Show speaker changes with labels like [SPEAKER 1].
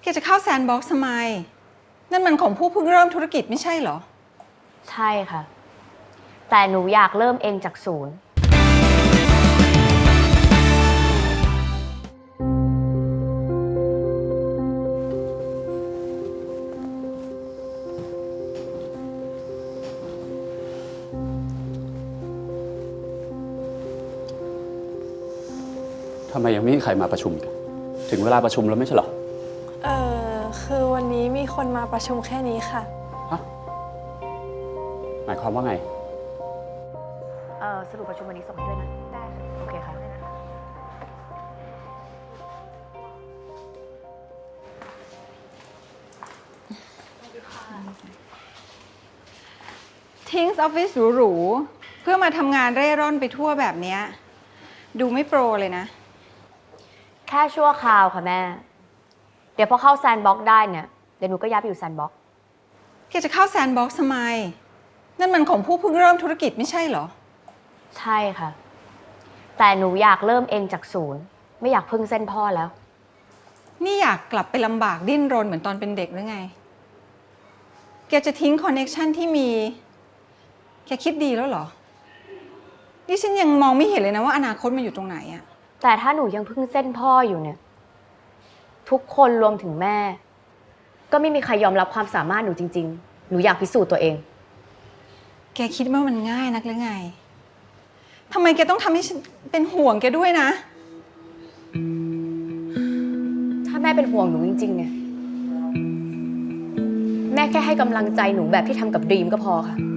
[SPEAKER 1] จะเข้าแซนด์บ็อกซ์ทำไมนั่นมันของผู้เพิ่งเริ่มธุรกิจไม่ใช่เหรอ
[SPEAKER 2] ใช่ค่ะแต่หนูอยากเริ่มเองจากศูนย์
[SPEAKER 3] ทำไมยังไม่มีใครมาประชุมกันถึงเวลาประชุมแล้วไม่ใช่เหรอ
[SPEAKER 4] คือวันนี้มีคนมาประชุมแค่นี้ค่ะ
[SPEAKER 3] ฮะหมายความว่าไง
[SPEAKER 2] สรุปประชุมวันนี้ส่งให้ด้วยนะได้ค่ะโอเคค่ะ
[SPEAKER 1] ทิ้งออฟฟิศหรูๆเพื่อมาทำงานเร่ร่อนไปทั่วแบบเนี้ยดูไม่โปรเลยนะ
[SPEAKER 2] แค่ชั่วคราวค่ะแม่เดี๋ยวพอเข้าแซนด์บ็อกซ์ได้เนี่ยเดี๋ยวหนูก็ย้ายไปอยู่แซนด์บ็อกซ์
[SPEAKER 1] จะเข้าแซนด์บ็อกซ์ทำไมนั่นมันของผู้เพิ่งเริ่มธุรกิจไม่ใช่เหรอ
[SPEAKER 2] ใช่ค่ะแต่หนูอยากเริ่มเองจากศูนย์ไม่อยากพึ่งเส้นพ่อแล้ว
[SPEAKER 1] นี่อยากกลับไปลำบากดิ้นรนเหมือนตอนเป็นเด็กหรือไงแกจะทิ้งคอนเนคชั่นที่มีแกคิดดีแล้วเหรอนี่ฉันยังมองไม่เห็นเลยนะว่าอนาคตมันอยู่ตรงไหนอะ
[SPEAKER 2] แต่ถ้าหนูยังพึ่งเส้นพ่ออยู่เนี่ยทุกคนรวมถึงแม่ก็ไม่มีใครยอมรับความสามารถหนูจริงๆหนูอยากพิสูจน์ตัวเอง
[SPEAKER 1] แกคิดว่ามันง่ายนักหรือไงทำไมแกต้องทำให้ฉันเป็นห่วงแกด้วยนะ
[SPEAKER 2] ถ้าแม่เป็นห่วงหนูจริงๆเนี่ยแม่แค่ให้กำลังใจหนูแบบที่ทำกับดรีมก็พอค่ะ